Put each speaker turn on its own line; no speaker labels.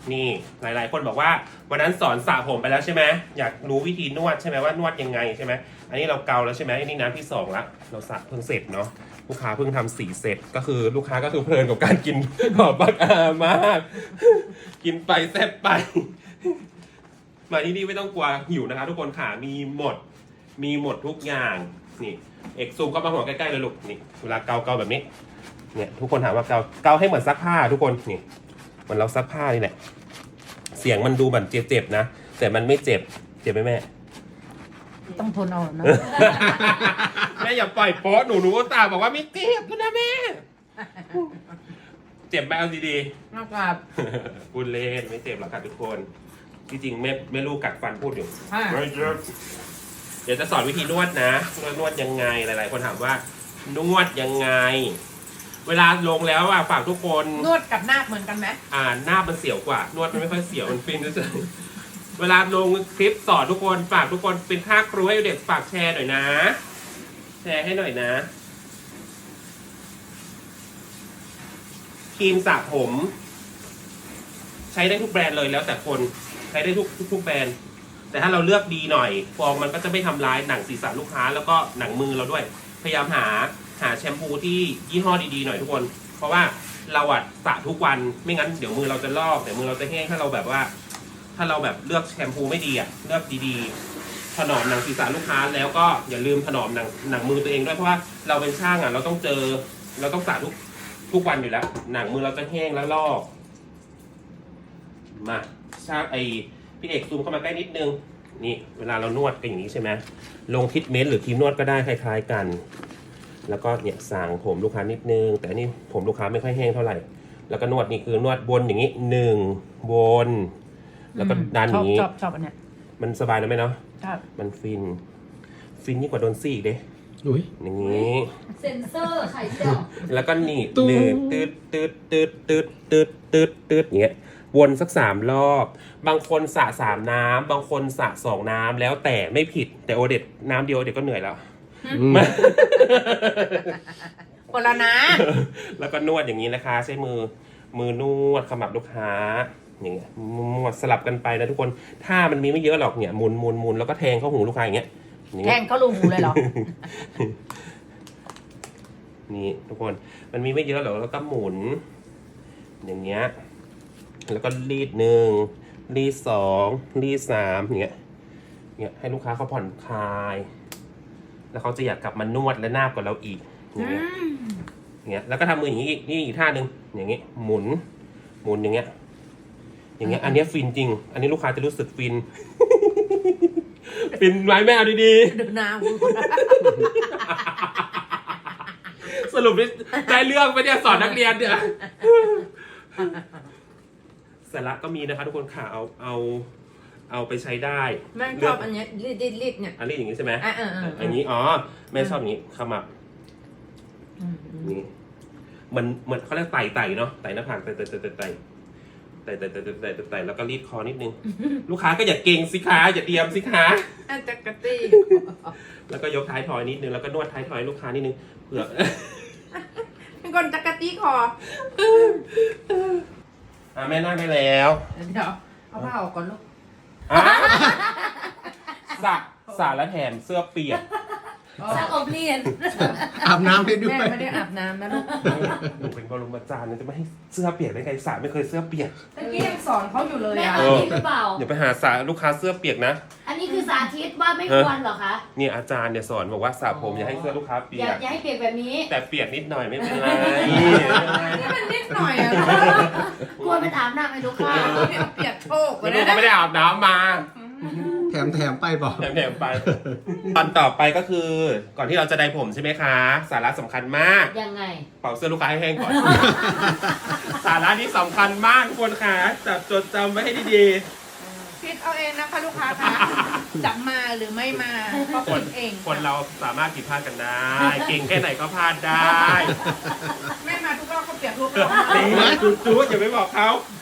นี่หลายๆคนบอกว่าวันนั้นสอนสระผมไปแล้วใช่ไหมอยากรู้วิธีนวดใช่ไหมว่านวดยังไงใช่ไหมอันนี้เราเกาแล้วใช่ไหมอันนี้น้ำที่2ละเราสระเพิ่งเสร็จเนาะลูกค้าเพิ่งทำ4 เซตก็คือลูกค้าก็คือเพลินกับการกินหอมบักอามากกินไปแซ่บไปมาที่นี่ไม่ต้องกลัวหิวนะคะทุกคนค่ะมีหมดทุกอย่างนี่เอกซูมก็มาหัวใกล้ๆเลยลูกนี่เวลาเกาแบบนี้เนี่ยทุกคนถามว่าเกาให้เหมือนซักผ้าทุกคนนี่เหมือนเราซักผ้านี่แหละเสียงมันดูเหมือนเจ็บๆนะแต่มันไม่เจ็บไหมแม่
ต้องทนเอานะ
แม่อย่าปล่อยโป๊ะหนูก็ตาบอกว่าไม่เจ็บนะแม่เจ็บไหมเอาดีๆ
นะครับ
พูดเล่นไม่เจ็บหรอกค่ะทุกคนจริงๆไม่รู้กัดฟันพูดอยู่
ค่ะ
เดี๋ยวจะสอนวิธีนวดนะนวดยังไงหลายๆคนถามว่านวดยังไง เวลาลงแล้วฝากทุกคน
นวดกับนาคเหมือนกันไหม
หน้ามันเสียวกว่านวดมันไม่ค่อยเสียวมันฟินเฉยๆเวลาลงคลิปสอนทุกคนฝากทุกคนเป็นค่าครูให้เด็กฝากแชร์หน่อยนะแชร์ให้หน่อยนะครีมสระผม ใช้ได้ทุกแบรนด์เลยแล้วแต่คนใช้ได้ทุกแบรนด์แต่ถ้าเราเลือกดีหน่อยฟองมันก็จะไม่ทำร้ายหนังศีรษะลูกค้าแล้วก็หนังมือเราด้วยพยายามหาแชมพูที่ยี่ห้อดีๆหน่อยทุกคนเพราะว่าเราสระทุกวันไม่งั้นเดี๋ยวมือเราจะลอกเดี๋ยวมือเราจะแห้งถ้าเราแบบเลือกแชมพูไม่ดีเลือกดีๆถนอมหนังศีรษะลูกค้าแล้วก็อย่าลืมถนอมหนังมือตัวเองด้วยเพราะว่าเราเป็นช่างเราต้องสระทุกวันอยู่แล้วหนังมือเราจะแห้งแล้วลอกมาช่างพี่เอกซูมเข้ามาใกล้นิดนึงนี่เวลาเรานวดกันอย่างนี้ใช่ไหมลงทรีทเมนต์หรือครีมนวดก็ได้คล้ายๆกันแล้วก็เนี่ยสางผมลูกค้านิดนึงแต่นี่ผมลูกค้าไม่ค่อยแห้งเท่าไหร่แล้วก็นวดนี่คือนวดวนอย่างนี้1วนแล้วก็ดันอย่างนี้
ชอบอันเนี้ย
มันสบายนะไหมเนาะ
ครับ
มันฟินยิ่งกว่าโดนซี่อีกเด้
อุ้ย
อย่างนี้
เซ็นเซอร์ไข่เจียว
แล้วก็หนีบ
ตุ้ง
ตืดอย่างเงี้ยวนสัก3 รอบบางคนสระ3 น้ำบางคนสระ2 น้ำแล้วแต่ไม่ผิดแต่โอเด็ดน้ำเดียวเด็ดก็เหนื่อยแล้ว
คนละนะ
แล้วก็นวดอย่างนี้นะคะใช้มือนวดขมับลูกค้าอย่างเงี้ยนวดสลับกันไปนะทุกคนถ้ามันมีไม่เยอะหรอกเนี่ยหมุนแล้วก็แทงเข้าหูลูกค้าอย่างเงี้ย
แทงเขาลูหูเลยเหรอ
นี่ทุกคนมันมีไม่เยอะหรอกแล้วก็หมุนอย่างเงี้ยแล้วก็รีด1รีด2รีด3อย่างเงี้ยให้ลูกค้าเขาผ่อนคลายแล้วเขาจะอยากกลับมานวดและนาบกับเราอีกอย่างเงี้ยแล้วก็ทำมืออย่างนี้อีกท่านึงอย่างเงี้ยหมุนอย่างเงี้ยอันเนี้ยฟินจริงอันนี้ลูกค้าจะรู้สึกฟิน ฟินไหมแม่เอาดี
ดูหน้าหู
ๆสรุปได้เรื่องไปเนี่ยสอนนักเรียนเนี่ยสาระก็มีนะคะทุกคนค่ะเอาไปใช้ได้
แม่ชอบอันเนี้ยรีดเนี่ย
อันนี้อย่างนี้ใช่ไหม
อันนี้
แม่ชอบอย่างนี้ขมับนี่มันเขาเรียกไต่เนาะไต่หน้าผากไต่แล้วก็รีดคอนิดนึงลูกค้าก็อย่าเก่งสิคะอย่าเตรียมสิคะ
อันจักรตี้
แล้วก็ยกท้ายทอยนิดนึงแล้วก็นวดท้ายทอยลูกค้านิดนึงเผื่อ
เป็นคนจักรตี้คอ
แม่นั่งได้แล้ว
เดี๋ยวเอาผ้าออกก่อนลูก
สระและแถมเสื้อเปียก
ซักอบเรียน
อาบน้ำให้ด้ว
แม่
ย
ไม่ได้อาบน้ำนะลูก
หนูเป็นบรมอาจารย์จะไม่ให้เสื้อเปียกได้ไงสระไม่เคยเสื้อเปียก
เมื่อกี้ยังสอนเขาอยู่เลย
แม่
อ่ะ
เอาจริงหรือเปล่า
อย่าไปหาสระลูกค้าเสื้อเปียกนะ
อันนี้คือสาธิตว่าไม่ควรเหรอคะ
เนี่ยอาจารย์เนี่ยสอนบอกว่าสระผมอย่าให้เสื้อลูกค้าเปี
อย ย่าก ให้เปลี่ยนแบบนี้
แต่เปียกนิดหน่อยไม่เป็นไร
นี่มันนิดหน่อยอ่ะ
กลัวเป็นอาบน้ำให้ลูกค้า
เปียกโชก
ไม่รู้เขาไม่ได้อาบน้ำมา
แถมไปบอก
แถมไปตอนต่อไปก็คือก่อนที่เราจะได้ผมใช่ไหมคะ สาระสำคัญมาก
ยังไง
เป่าเสื้อลูกค้าให้แห้งก่อน สาระนี้สำคัญมากทุกคนค่ะจับจดจำไว้ให้ดี
คิดเอาเองนะคะลูกค้าคะจะมาหรือไม่มาก็คิดเอง
ๆคนเราสามารถผิดพลาดกันได้ เก่งแค่ไหนก็พลาดได้
แม่มาทุกรอบก็เปียกทุกรอบ
นี่จุ๊อย่าไปบอกเขา